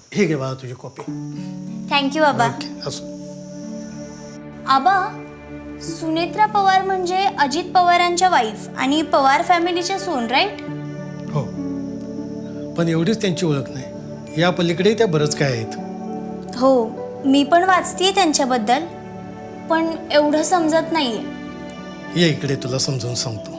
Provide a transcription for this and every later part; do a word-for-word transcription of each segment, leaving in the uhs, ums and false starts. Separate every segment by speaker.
Speaker 1: हे घे बाळा तुझी कॉपी.
Speaker 2: थँक्यू आबा.
Speaker 1: ओके, असं.
Speaker 2: आबा, सुनेत्रा पवार म्हणजे अजित पवारांच्या वाईफ आणि पवार फॅमिलीच्या सून, राईट?
Speaker 1: हो, पण एवढीच त्यांची ओळख नाही, या पलीकडे त्या बरंच काय आहेत.
Speaker 2: हो, मी पण वाचतेय त्यांच्याबद्दल, पण एवढं समजत नाहीये.
Speaker 1: ये इकडे तुला समजून सांगतो.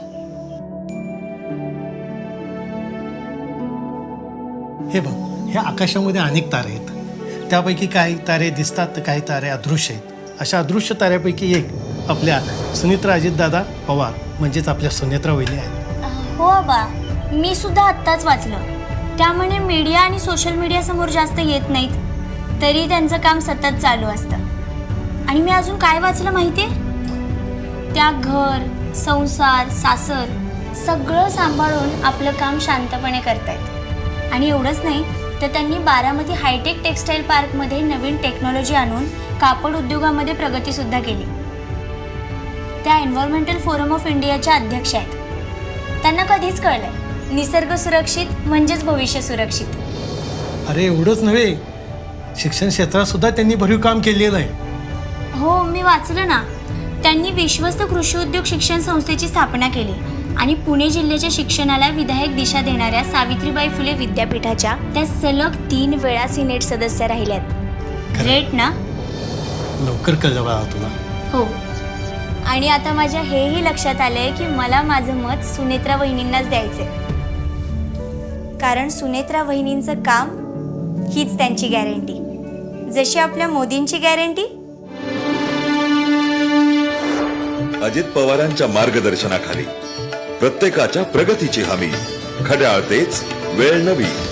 Speaker 1: हे बघ, ह्या आकाशामध्ये अनेक तारे आहेत. त्यापैकी काही तारे दिसतात तर काही तारे अदृश्य आहेत. अशा अदृश्य ताऱ्यापैकी एक आपल्या सुनेत्रा अजितदादा पवार म्हणजेच आपल्या सुनेत्रा वहिनी आहेत.
Speaker 2: हो आबा, मी सुद्धा आत्ताच वाचलं. त्यामुळे मीडिया आणि सोशल मीडिया समोर जास्त येत नाहीत, तरी त्यांचं काम सतत चालू असतं. आणि मी अजून काय वाचलं माहिती आहे? त्या घर, संसार, सासर सगळं सांभाळून आपलं काम शांतपणे करतायत. आणि एवढंच नाही तर त्यांनी बारामती हायटेक टेक्स्टाईल पार्कमध्ये नवीन टेक्नॉलॉजी आणून कापड उद्योगामध्ये प्रगतीसुद्धा केली. त्या एन्व्हायरमेंटल फोरम ऑफ इंडियाच्या अध्यक्ष आहेत. त्यांना कधीच कळलंय, निसर्ग सुरक्षित म्हणजेच भविष्य सुरक्षित.
Speaker 1: अरे एवढंच नव्हे, शिक्षण क्षेत्रात सुद्धा त्यांनी भरीव काम केलेलं आहे.
Speaker 2: हो, मी वाचलं ना. त्यांनी विश्वस्त कृषी उद्योग शिक्षण संस्थेची स्थापना केली आणि पुणे जिल्ह्याच्या शिक्षणाला विधायक दिशा देणाऱ्या सावित्रीबाई फुले विद्यापीठाच्या त्या सलग तीन वेळा सिनेट सदस्य राहिल्यात. ग्रेट ना?
Speaker 1: लवकर कळलं बाळा तुला.
Speaker 2: हो, आणि आता माझ्या हेही लक्षात आलंय की मला माझं मत सुनेत्रा वहिनींनाच द्यायचंय, कारण सुनेत्रा वहिनींचं काम हीच त्यांची गॅरंटी, जशी आपल्या मोदींची गॅरंटी.
Speaker 3: अजित पवारांच्या मार्गदर्शनाखाली प्रत्येकाच्या प्रगतीची हमी. घड्याळ तेच, वेळ नवी.